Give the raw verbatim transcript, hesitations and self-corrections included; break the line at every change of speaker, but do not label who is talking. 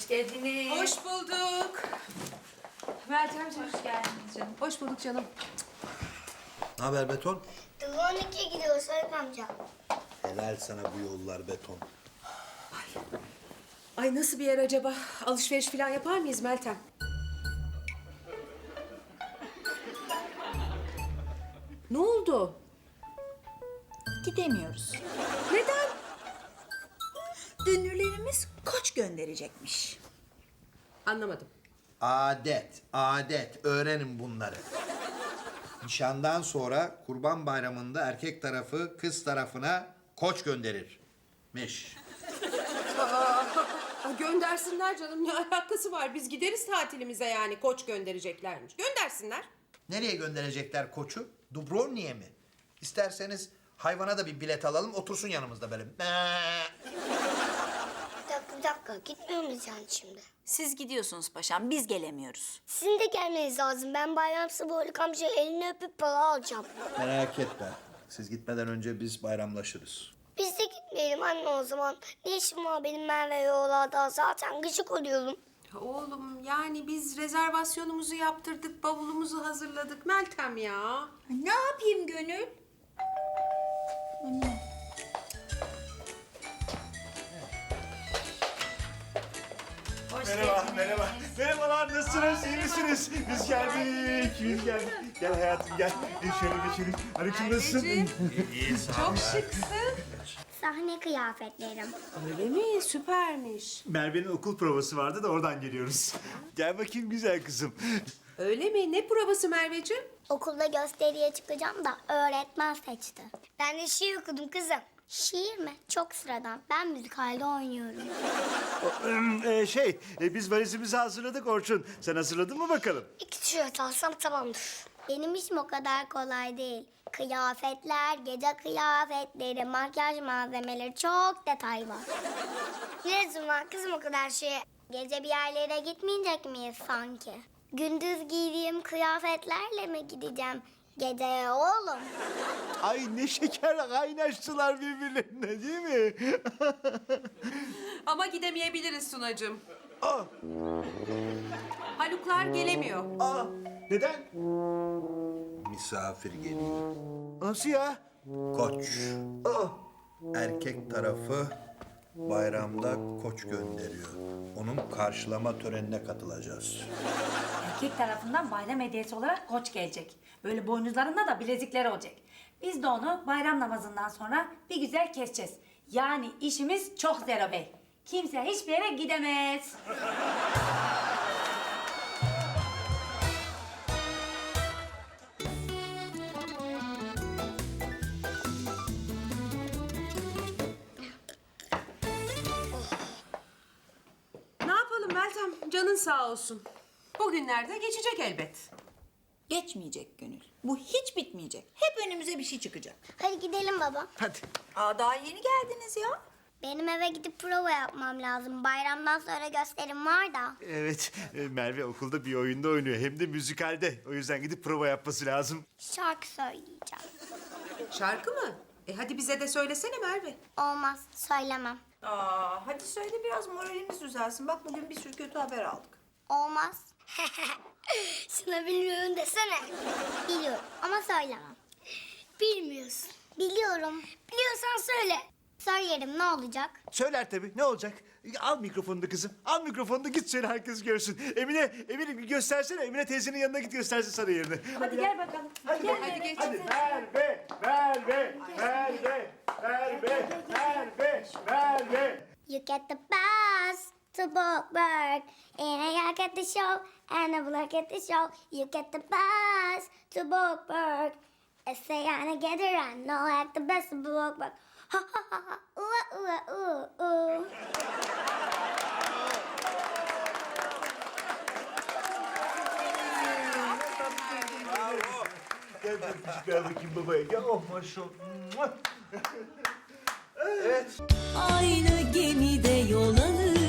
Hoş geldiniz.
Hoş bulduk.
Meltemciğim hoş geldiniz canım.
Hoş bulduk canım.
Ne haber Beton?
on ikiye gidiyor Sayın amca.
Helal sana bu yollar Beton.
Ay nasıl bir yer acaba? Alışveriş falan yapar mıyız Meltem? Ne oldu?
Gidemiyoruz.
Neden?
Dünürlerimiz koç gönderecekmiş.
Anlamadım.
Adet, adet. Öğrenin bunları. Nişandan sonra Kurban Bayramı'nda erkek tarafı kız tarafına koç gönderirmiş.
Aa, göndersinler canım. Ne alakası var? Biz gideriz tatilimize yani. Koç göndereceklermiş. Göndersinler.
Nereye gönderecekler koçu? Dubrovnik'e mi? İsterseniz hayvana da bir bilet alalım, otursun yanımızda böyle.
Bir dakika bir dakika gitmiyor muyuz yani şimdi?
Siz gidiyorsunuz paşam, biz gelemiyoruz.
Sizin de gelmeniz lazım. Ben bayram sabahlık amca elini öpüp para alacağım.
Merak etme. Siz gitmeden önce biz bayramlaşırız.
Biz de gitmeyelim anne o zaman. Ne işim var benim Merve yollarda? Zaten gıcık oluyorum.
Oğlum yani biz rezervasyonumuzu yaptırdık, bavulumuzu hazırladık. Meltem ya.
Ne yapayım Gönül?
Merhaba, merhaba. Merhabalar, nasılsınız? İyi misiniz? Biz geldik, biz geldik. Gel hayatım, gel. Şöyle geçelim. Aleyküm nasılsın?
İyi, sağ ol.
Çok şıksın.
Sahne kıyafetlerim.
Öyle mi? Süpermiş.
Merve'nin okul provası vardı da oradan geliyoruz. Gel bakayım güzel kızım.
Öyle mi? Ne provası Merveciğim?
Okulda gösteriye çıkacağım da öğretmen seçti. Ben de şiir okudum kızım. Şiir mi? Çok sıradan. Ben müzikalde oynuyorum.
ee, şey, e, biz valizimizi hazırladık Orçun. Sen hazırladın mı bakalım?
İki tişört alsam tamamdır. Benim işim o kadar kolay değil. Kıyafetler, gece kıyafetleri, makyaj malzemeleri çok detay var. Ne lüzum var kızım o kadar şeye? Gece bir yerlere gitmeyecek miyiz sanki? Gündüz giydiğim kıyafetlerle mi gideceğim geceye oğlum?
Ay ne şeker kaynaştılar birbirlerine değil mi?
Ama gidemeyebiliriz Sunacığım.
Aa,
Haluklar gelemiyor.
aa, neden?
Misafir geliyor.
Nasıl ya?
Koç.
Aa,
Erkek tarafı bayramda koç gönderiyor. Onun karşılama törenine katılacağız.
Erkek tarafından bayram hediyesi olarak koç gelecek. Böyle boynuzlarında da bilezikler olacak. Biz de onu bayram namazından sonra bir güzel keseceğiz. Yani işimiz çok zero bey. Kimse hiçbir yere gidemez.
Ne yapalım Meltem? Canın sağ olsun. Bugünlerde geçecek elbet.
Geçmeyecek Gönül. Bu hiç bitmeyecek. Hep önümüze bir şey çıkacak.
Hadi gidelim baba.
hadi.
Aa daha yeni geldiniz ya.
Benim eve gidip prova yapmam lazım. Bayramdan sonra gösterim var da.
Evet, e, Merve okulda bir oyunda oynuyor. Hem de müzikalde. O yüzden gidip prova yapması lazım.
Şarkı söyleyeceğim.
Şarkı mı? E hadi bize de söylesene Merve.
Olmaz, söylemem.
Aa hadi söyle biraz moralimiz düzelsin. Bak bugün bir sürü kötü haber aldık.
Olmaz. Şuna bilmiyorum desene. Biliyorum ama söylemem. Bilmiyorsun. Biliyorum. Biliyorsan söyle. Söylerim ne olacak?
Söyler tabii. Ne olacak? Al mikrofonunu kızım. Al mikrofonunu git söyle herkes görsün. Emine, Emine bir göstersene. Emine teyzenin yanına git göstersin sana yerini.
Hadi gel bakalım.
Hadi,
Gel
hadi
Merve.
geç.
Hadi Merve, Merve, Merve, Merve, Merve, Merve.
You get the bus to Bookburg, and I get the show, and I will get the show. You get the bus to Bookburg. I say I'm together, I know I the best of Bookburg. Ha ha ha ha, ooh ooh ooh ooh.
Gel bir ver bakayım babaya. Gel oh maşallah.
Aynı gemide yol alır.